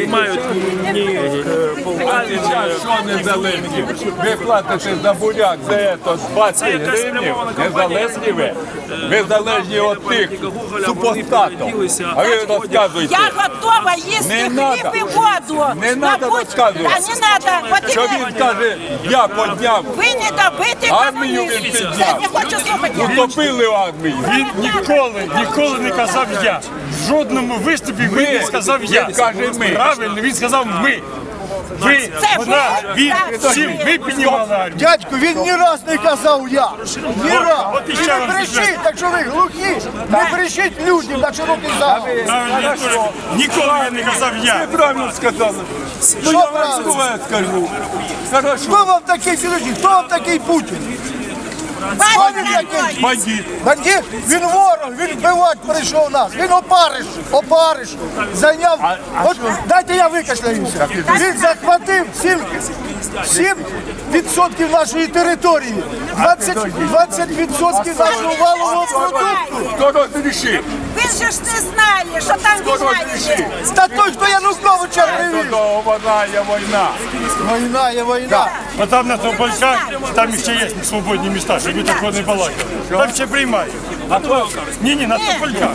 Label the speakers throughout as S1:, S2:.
S1: мають ні
S2: Що незалежні? Ви платите за буряк, за це 20 гривень, незалежні ви. Ви залежні від тих супостатів. А ви розказуєте.
S3: Я готова їсти хліб і воду.
S2: Не треба розказувати.
S3: Не треба.
S2: Що він каже, я підняв.
S3: Ви не добиті
S2: Армію він
S3: комуністи.
S2: підняв.
S3: Я не хочу слухати.
S2: Утопили армію.
S4: Він ніколи не казав я. В жодному виступі він не сказав я.
S2: Він каже ми.
S4: Правильно, він сказав ми. Ви, вона, він, всі, ми піднімали армію.
S5: Дядько, він ні раз не казав я. Ні раз.
S4: От
S5: І
S4: іще
S5: не
S4: вам
S5: брешіть, так що ви глухі. Не брешіть людям на широкий зал.
S4: Правильно, ніколи я не казав я.
S2: Ви правильно сказали. Ну
S5: Що
S2: я вам
S5: правильно?
S2: слове скажу. Хорошо.
S5: Хто вам такий, підожди, хто вам такий Путін? Хто він такий?
S2: Бандит.
S5: Бандит? Він ворог, він вбивати прийшов нас. Він опариш, зайняв. От дайте я викашляюся. Він захватив 7% нашої території, 20% нашого валового продукту.
S2: Хто розрішив?
S3: Ви ж не знали, що там
S2: Хто
S3: війна
S2: розрішив?
S3: йде.
S5: Та той, хто Януковича привів.
S2: Вона є війна.
S5: Війна є війна.
S4: А там на Топольках, там ще є свободні міста, щоб ви такого не балакали. Там ще приймають. Ні, на Топольках.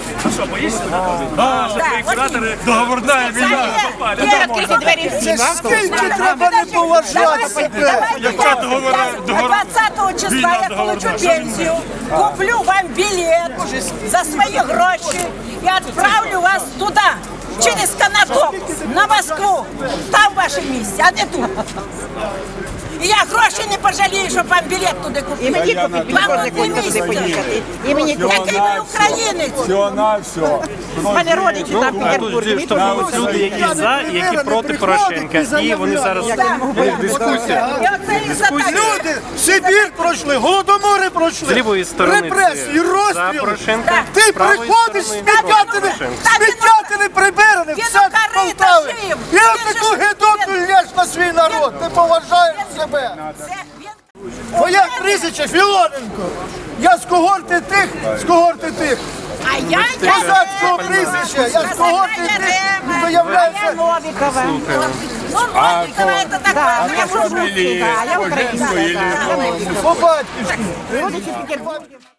S4: Договорна війна.
S3: Відкриті двері всі.
S5: Це скільки треба не поважати себе.
S4: Яка договора?
S3: 20 числа я получу пенсию, куплю вам билет за свои гроши и отправлю вас туда, через Конотоп, на Москву. Там ваше месте, а не тут. І я гроші не пожалію, щоб вам білет туди купити.
S6: І мені купити,
S3: Вам тут не місце.
S6: І мені
S3: Який ви українець?
S2: Все на все.
S6: У мене родичі там в Петербурзі.
S1: штовхнулись люди, які за, і які проти Порошенка. І вони зараз в дискусії.
S3: І оце і за так.
S5: Люди Сибір пройшли, голодомори пройшли.
S1: З лівої сторони
S5: репресії,
S1: за
S5: розстріли.
S1: Порошенка,
S5: Ти
S1: з правої
S5: приходиш,
S1: сторони
S5: сміттятини прибиране,
S3: Він
S5: все
S3: у корито
S5: Полтави.
S3: жив.
S5: І
S3: Він
S5: отаку
S3: же ж-
S5: гидоту лєш на свій народ. Ти поважаєш себе.
S3: Це він-
S5: Моя прізвище Філоненко. Я з когорти тих.
S3: А я
S5: Козацького прізвища. Я з когорти тих, хто являється...
S6: Новікова.
S3: Ну, Новикова, это такое.
S6: Я французька, я українська.
S5: По батьківськи.
S6: Родичі в Петербурзі.